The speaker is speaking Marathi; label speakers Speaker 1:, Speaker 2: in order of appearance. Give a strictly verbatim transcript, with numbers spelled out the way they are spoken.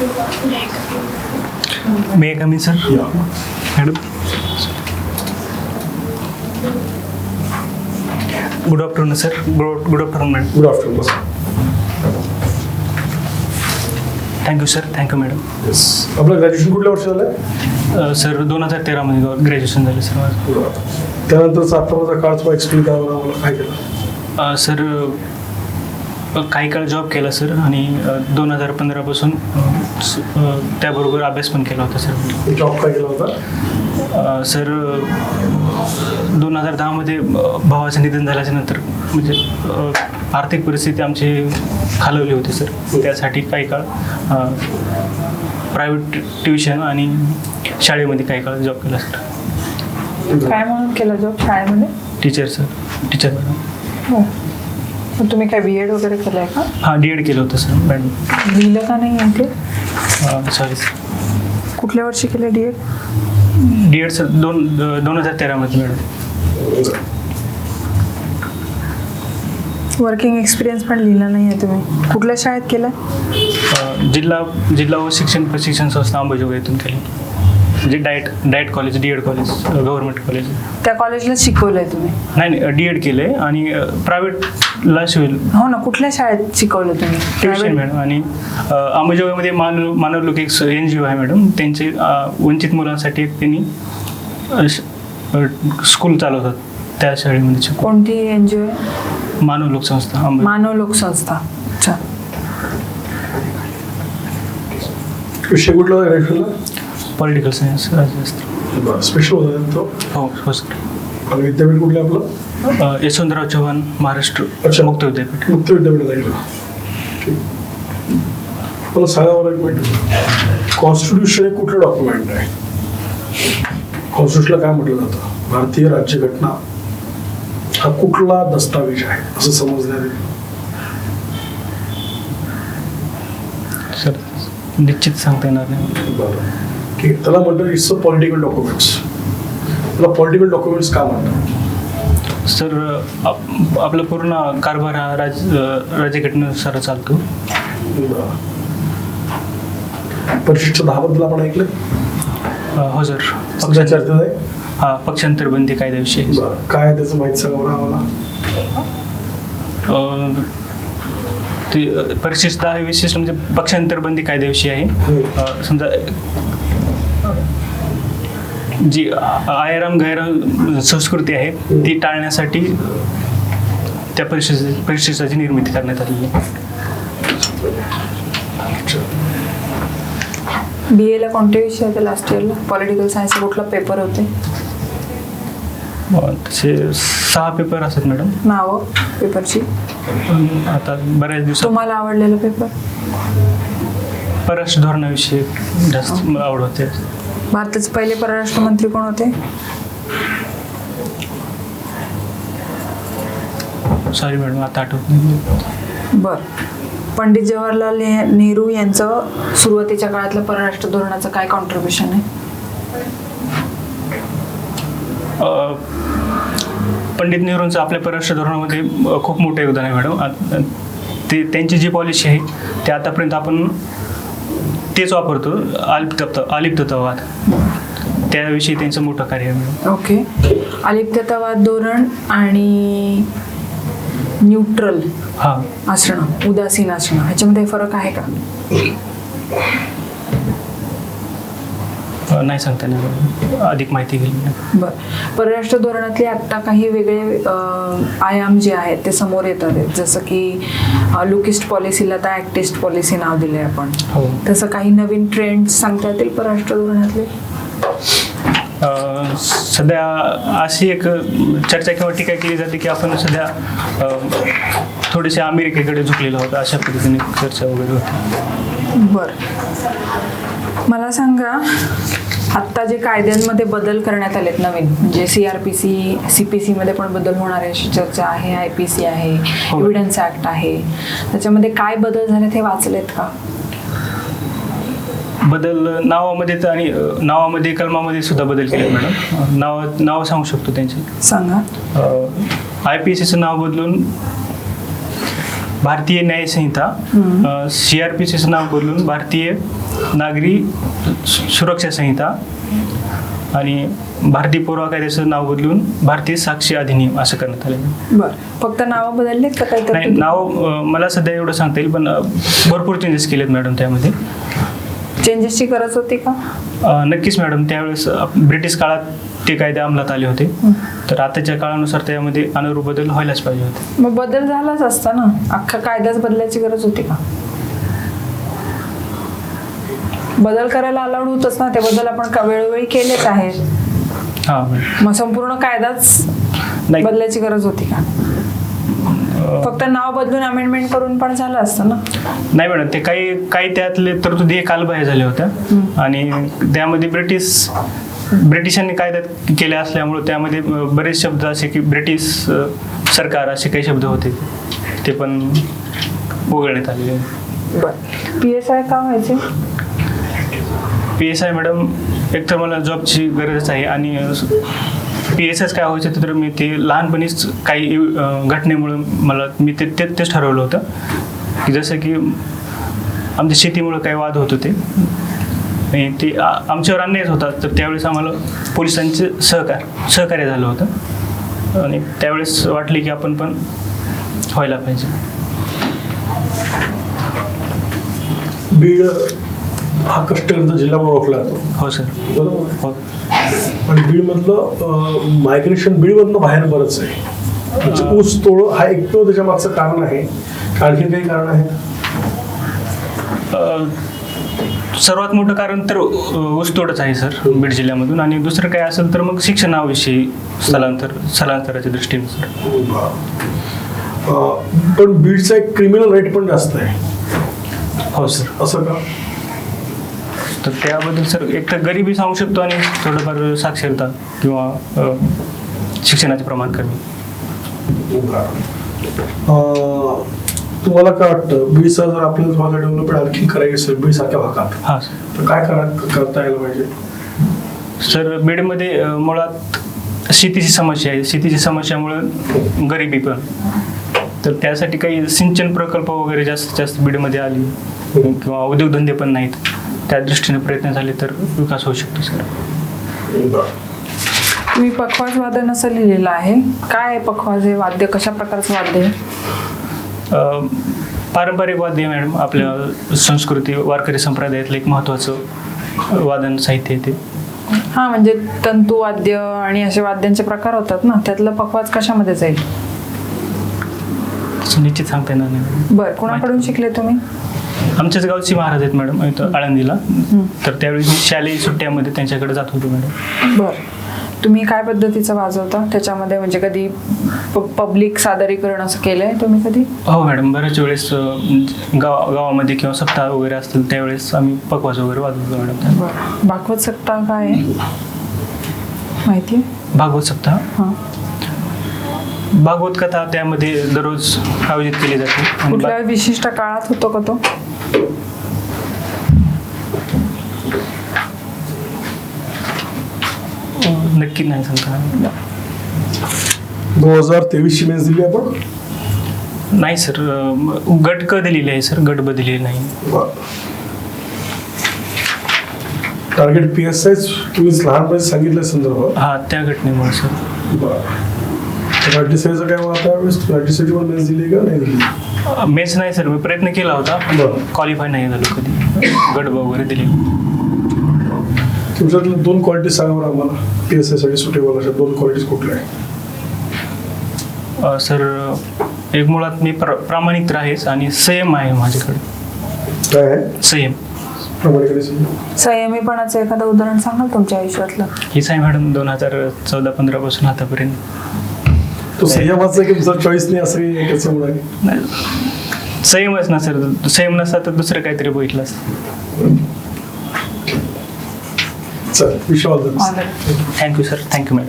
Speaker 1: May come in sir? Madam, good afternoon sir. Good good afternoon madam.
Speaker 2: Good afternoon.
Speaker 1: Thank you sir. Thank you madam.
Speaker 2: Yes. आपलं ग्रॅज्युएशन कुठल्या वर्षी झालं?
Speaker 1: सर दोन हजार तेरामध्ये ग्रॅज्युएशन झालं सर माझं.
Speaker 2: त्यानंतरचा आत्ताचा काळ थोडा एक्सप्लेन करावा मला काय केलं?
Speaker 1: सर काही काळ जॉब केला सर आणि दोन हजार पंधरापासून त्याबरोबर अभ्यास पण केला होता सर.
Speaker 2: जॉब काय केला होता?
Speaker 1: सर दोन हजार दहामध्ये भावाचं निधन झाल्याच्या नंतर म्हणजे आर्थिक परिस्थिती आमची खालवली होती सर. त्यासाठी काही काळ प्रायव्हेट ट्युशन आणि शाळेमध्ये काही काळ जॉब केला सर.
Speaker 3: काय म्हणून केला जॉब शाळेमध्ये?
Speaker 1: Teacher sir. Teacher madam.
Speaker 3: हो. मग तुम्ही काय बी एड वगैरे केलं आहे का?
Speaker 1: हां, डी एड केलं होतं सर मॅडम.
Speaker 3: लिहिलं का नाही आहे ते?
Speaker 1: Sorry sir.
Speaker 3: कुठल्या वर्षी केलं D Ed?
Speaker 1: D Ed sir दोन दोन हजार तेरामध्ये मॅडम.
Speaker 3: वर्किंग एक्सपिरियन्स पण लिहिला नाही आहे तुम्ही. कुठल्या शाळेत केलं?
Speaker 1: जिल्हा जिल्हा व शिक्षण प्रशिक्षण संस्था अंबाजोगाई येथून केलं. म्हणजे diet diet college, D Ed college, government college.
Speaker 3: त्या कॉलेजला शिकवलंय तुम्ही?
Speaker 1: नाही नाही, डी एड केलं आहे आणि प्रायव्हेटला शिवेल.
Speaker 3: हो ना, कुठल्या शाळेत शिकवलं तुम्ही?
Speaker 1: Tuition madam. आणि अंबाजोगाईमध्ये मानव मानवलोक एक एन जी ओ आहे मॅडम. त्यांचे वंचित मुलांसाठी एक त्यांनी स्कूल चालवतात. त्या शाळेमध्ये शिकव.
Speaker 3: कोणती एन जी ओ आहे?
Speaker 1: मानवलोक संस्था.
Speaker 3: मानव लोक संस्था. अच्छा.
Speaker 2: विषय कुठला होता ग्रॅज्युएशनला?
Speaker 1: पॉलिटिकल सायन्स राज्यशास्त्र.
Speaker 2: स्पेशल होता तो?
Speaker 1: हो हो सर.
Speaker 2: आणि विद्यापीठ कुठलं आपलं?
Speaker 1: यशवंतराव चव्हाण महाराष्ट्र
Speaker 2: अच्छा.
Speaker 1: मुक्त विद्यापीठ.
Speaker 2: मुक्त विद्यापीठ जाईल. ठीक. मला सांगा बरं एक मिनिट, कॉन्स्टिट्यूशन हे कुठलं डॉक्युमेंट आहे? कॉन्स्टिट्यूशनला काय म्हटलं जातं? भारतीय राज्यघटना हा कुठला दस्तावेज आहे असं समजण्यात येईल?
Speaker 1: सर निश्चित सांगता येणार नाही.
Speaker 2: बरं, ठीक आहे. त्याला म्हणतात इट्स अ पॉलिटिकल डॉक्युमेंट्स. त्याला पॉलिटिकल डॉक्युमेंट्स का म्हणतात?
Speaker 1: सर आप आपला पूर्ण कारभार हा राज राज्यघटनेनुसार चालतो.
Speaker 2: परिशिष्ट दहा बद्दल आपण ऐकलं?
Speaker 1: हो सर.
Speaker 2: सध्या चर्चेत आहे.
Speaker 1: हा, पक्षांतर बंदी कायद्याविषयी.
Speaker 2: काय आहे त्याचं माहिती सांगा बरं आम्हाला.
Speaker 1: ते परिशिष्ट दहा हे विशेष म्हणजे पक्षांतर बंदी कायद्याविषयी आहे. समजा जी आयराम गैराम संस्कृती आहे ती टाळण्यासाठी त्या परिशिष्ट परिशिष्टाची निर्मिती करण्यात आली आहे.
Speaker 3: बी एला कोणते विषय होते लास्ट इयरला? पॉलिटिकल सायन्स कुठला पेपर होते?
Speaker 1: तसे सहा पेपर असतात मॅडम.
Speaker 3: नावं पेपरची?
Speaker 1: आता बऱ्याच दिवसात
Speaker 3: तुम्हाला आवडलेला पेपर?
Speaker 1: परराष्ट्र धोरणाविषयी जास्त मला आवड होते.
Speaker 3: भारताचे पहिले परराष्ट्र मंत्री कोण होते?
Speaker 1: सॉरी मॅडम, आता आठवत नाही.
Speaker 3: बर. पंडित जवाहरलाल नेहरू यांचं सुरुवातीच्या काळातलं परराष्ट्र धोरणाचं काय कॉन्ट्रीब्युशन आहे?
Speaker 1: पंडित नेहरूंचं आपल्या परराष्ट्र धोरणामध्ये खूप मोठं योगदान आहे मॅडम. ते त्यांची जी पॉलिसी आहे ते आतापर्यंत आपण तेच वापरतो. अलिप्त अलिप्ततावाद, त्याविषयी त्यांचं मोठं कार्य आहे मॅडम.
Speaker 3: ओके. अलिप्ततावाद धोरण आणि न्यूट्रल
Speaker 1: हां
Speaker 3: असणं, उदासीन असणं, ह्याच्यामध्ये फरक आहे का?
Speaker 1: नाही सांगता येणार, अधिक माहिती घेईल.
Speaker 3: बर. परराष्ट्र धोरणातले आत्ता काही वेगळे आयाम जे आहेत ते समोर येतात आहेत, जसं की लुकिस्ट पॉलिसीला आता ॲक्टिस्ट पॉलिसी नाव दिले आपण.
Speaker 1: हो.
Speaker 3: तसं काही नवीन ट्रेंड सांगता येतील परराष्ट्र धोरणातले?
Speaker 1: सध्या अशी एक चर्चा किंवा टीका केली जाते की आपण सध्या थोडेसे अमेरिकेकडे झुकलेलो आहोत, अशा पद्धतीने चर्चा वगैरे होती.
Speaker 3: बरं. मला सांगा, आत्ता जे कायद्यांमध्ये बदल करण्यात आलेत नवीन, म्हणजे C R P C C P सीमध्ये पण बदल होणार आहे अशी चर्चा आहे, आय पी सी आहे, एव्हिडन्स ॲक्ट आहे, त्याच्यामध्ये काय बदल झालेत हे वाचलेत का?
Speaker 1: बदल नावामध्ये तर आणि नावामध्ये कलमामध्ये सुद्धा बदल केले मॅडम. नाव नाव सांगू शकतो त्यांचे.
Speaker 3: सांगा.
Speaker 1: आय पी सीचं नाव बदलून भारतीय न्याय संहिता, सी आर पी सीचं नाव बदलून भारतीय नागरी सु- सुरक्षा संहिता आणि भारतीय पुरावा कायद्याचं नाव बदलून भारतीय साक्षी अधिनियम असं करण्यात आलं.
Speaker 3: बरं, फक्त नावं बदललेत का काही
Speaker 1: नाही,
Speaker 3: तर
Speaker 1: नाव अं, मला सध्या एवढं सांगता येईल, पण अं, भरपूर चेंजेस केलेत मॅडम त्यामध्ये.
Speaker 3: चेंजेसची गरज होती का?
Speaker 1: अं, नक्कीच मॅडम, त्यावेळेस अं, ब्रिटिश काळात ते कायदे अंमलात आले होते, तर आताच्या काळानुसार त्यामध्ये अनुरूप बदल व्हायलाच पाहिजे होते.
Speaker 3: मग बदल झालाच असता ना, अख्खा कायदाच बदलायची गरज होती का? बदल करायला अलाउड होतच ना, ते बदल आपण का वेळोवेळी केलेच आहेत.
Speaker 1: हां मॅडम.
Speaker 3: मग संपूर्ण कायदाच
Speaker 1: नाही.
Speaker 3: बदलायची गरज होती का? फक्त नाव बदलून अमेंडमेंट करून पण झालं असतं ना.
Speaker 1: नाही मॅडम, ते काही काही त्यातले तरतुदी कालबाह्य झाल्या होत्या आणि त्यामध्ये ब्रिटिश ब्रिटिशांनी कायद्यात केल्या असल्यामुळे त्यामध्ये अं, बरेच शब्द असे की ब्रिटिश अं, सरकार असे काही शब्द होते, ते पण वगळण्यात आलेले.
Speaker 3: बरं, पी एस आय का व्हायचे?
Speaker 1: पी एस आय मॅडम, एकतर मला जॉबची गरजच आहे आणि पी एस आयच काय व्हायचं तर मी ते लहानपणीच काही अं, घटनेमुळं मला मी ते ते- तेच ठरवलं होतं की जसं की आमच्या शेतीमुळं काही वाद होत होते आणि ते आ- आमच्यावर अन्यायच होता, तर त्यावेळेस आम्हाला पोलिसांचे सहकार सहकार्य झालं होतं आणि त्यावेळेस वाटले की आपण पण व्हायला पाहिजे.
Speaker 2: बीड हा कष्टकर्ता जिल्हा म्हणून ओळखला जातो,
Speaker 1: हो सर.
Speaker 2: बरोबर.
Speaker 1: हो.
Speaker 2: आणि बीडमधलं मायग्रेशन बीडमधनं बाहेर बरंच आहे, म्हणजे ऊस तोड हा एकमेव त्याच्या मागचं कारण आहे. आणखी काही कारण आहे?
Speaker 1: अ, सर्वात मोठं कारण तर अ, ऊसतोडच आहे सर बीड जिल्ह्यामधून, आणि दुसरं काय असेल तर मग शिक्षणाविषयी स्थलांतर स्थलांतराच्या दृष्टीने सर.
Speaker 2: अं, पण बीडचा एक क्रिमिनल रेट पण जास्त आहे,
Speaker 1: हो सर.
Speaker 2: असं का?
Speaker 1: तर त्याबद्दल सर एक तर गरिबी सांगू शकतो आणि थोडंफार साक्षरता किंवा अ, शिक्षणाचे प्रमाण कमी.
Speaker 2: अं, तुम्हाला काय वाटतं बीडचा जर आपल्याला भागात डेव्हलपमेंट आणखी करायची असेल बीड सारख्या भागात,
Speaker 1: हां सर.
Speaker 2: तर काय करा करता यायला पाहिजे?
Speaker 1: सर बीडमध्ये अ, मुळात शेतीची समस्या आहे, शेतीची समस्यामुळं गरिबी पण, तर त्यासाठी काही सिंचन प्रकल्प वगैरे जास्तीत जास्त बीडमध्ये आली किंवा उद्योगधंदे पण नाहीत, त्या दृष्टीने प्रयत्न झाले तर विकास होऊ शकतो सर.
Speaker 3: तुम्ही पखवाज वादन असं लिहिलेलं आहे, काय आहे पखवाज हे वाद्य? कशा प्रकारचं वाद्य आहे?
Speaker 1: अ, पारंपरिक वाद्य मॅडम, आपल्या संस्कृती वारकरी संप्रदायातलं एक महत्त्वाचं वादन साहित्य आहे ते.
Speaker 3: हा, म्हणजे तंतू वाद्य आणि असे वाद्यांचे प्रकार होतात ना, त्यातलं पखवाज कशामध्ये जाईल?
Speaker 1: तसं निश्चित सांगता येणार नाही.
Speaker 3: बरं, कोणाकडून शिकले तुम्ही?
Speaker 1: आमच्याच गावची महाराज आहेत मॅडम इथं आळंदीला, तर त्यावेळी मी शालेय सुट्ट्यामध्ये त्यांच्याकडे जात होतो मॅडम.
Speaker 3: बरं, तुम्ही काय पद्धतीचं वाजवता त्याच्यामध्ये? म्हणजे कधी पब्लिक सादरीकरण असं केलंय तुम्ही कधी?
Speaker 1: हो मॅडम, बऱ्याच वेळेस अ, गाव गावामध्ये किंवा सप्ताह वगैरे असतील त्यावेळेस आम्ही पकवाज वगैरे वाजवतो मॅडम.
Speaker 3: बरं, भागवत सप्ताह काय आहे माहिती आहे?
Speaker 1: भागवत सप्ताह,
Speaker 3: हां,
Speaker 1: भागवत कथा त्यामध्ये दररोज आयोजित केली जाते. आणि
Speaker 3: कुठल्या विशिष्ट काळात होतो का तो?
Speaker 1: बा- नक्की नाही सांगता.
Speaker 2: दोन हजार तेवीसची मेन्स दिली आपण?
Speaker 1: नाही सर, अ, गट क दिलेली आहे सर, गट ब दिलेली नाही.
Speaker 2: टार्गेट पी एस आय तुम्ही लहानपणी सांगितलं संदर्भ.
Speaker 1: हा, त्या घटनेमुळे सर.
Speaker 2: राज्यसेवेचं काय मग त्यावेळेस राज्यसेवेची पण मेन्स दिली का नाही दिली?
Speaker 1: मेन्स नाही सर, मी प्रयत्न केला होता,
Speaker 2: बरं.
Speaker 1: क्वालिफाय नाही झालो कधी. गट ब वगैरे दिले.
Speaker 2: तुमच्यातल्या दोन क्वालिटी सांगा बरं आम्हाला, पी एस आय साठी सुटेबल अशा दोन क्वालिटीज कुठल्या आहे?
Speaker 1: अ, सर, एक मुळात मी प्र प्रामाणिक तर आहेच आणि संयम आहे माझ्याकडे.
Speaker 2: काय आहे
Speaker 1: संयम.
Speaker 2: प्रामाणिकपणे सांगा.
Speaker 3: संयमीपणाचं एखादं उदाहरण सांगाल तुमच्या आयुष्यातलं?
Speaker 1: हीच आहे मॅडम, दोन हजार चौदा पंधरा पासून आतापर्यंत.
Speaker 2: तो संयमाचा की तुमचा चॉईस नाही असं काही त्याच्यामुळे?
Speaker 1: नाही, संयमच ना सर, संयम नसता तर दुसरं काहीतरी बघितलं असतं.
Speaker 2: चल, Vishwas
Speaker 3: all the best.
Speaker 1: Thank you sir, thank you madam.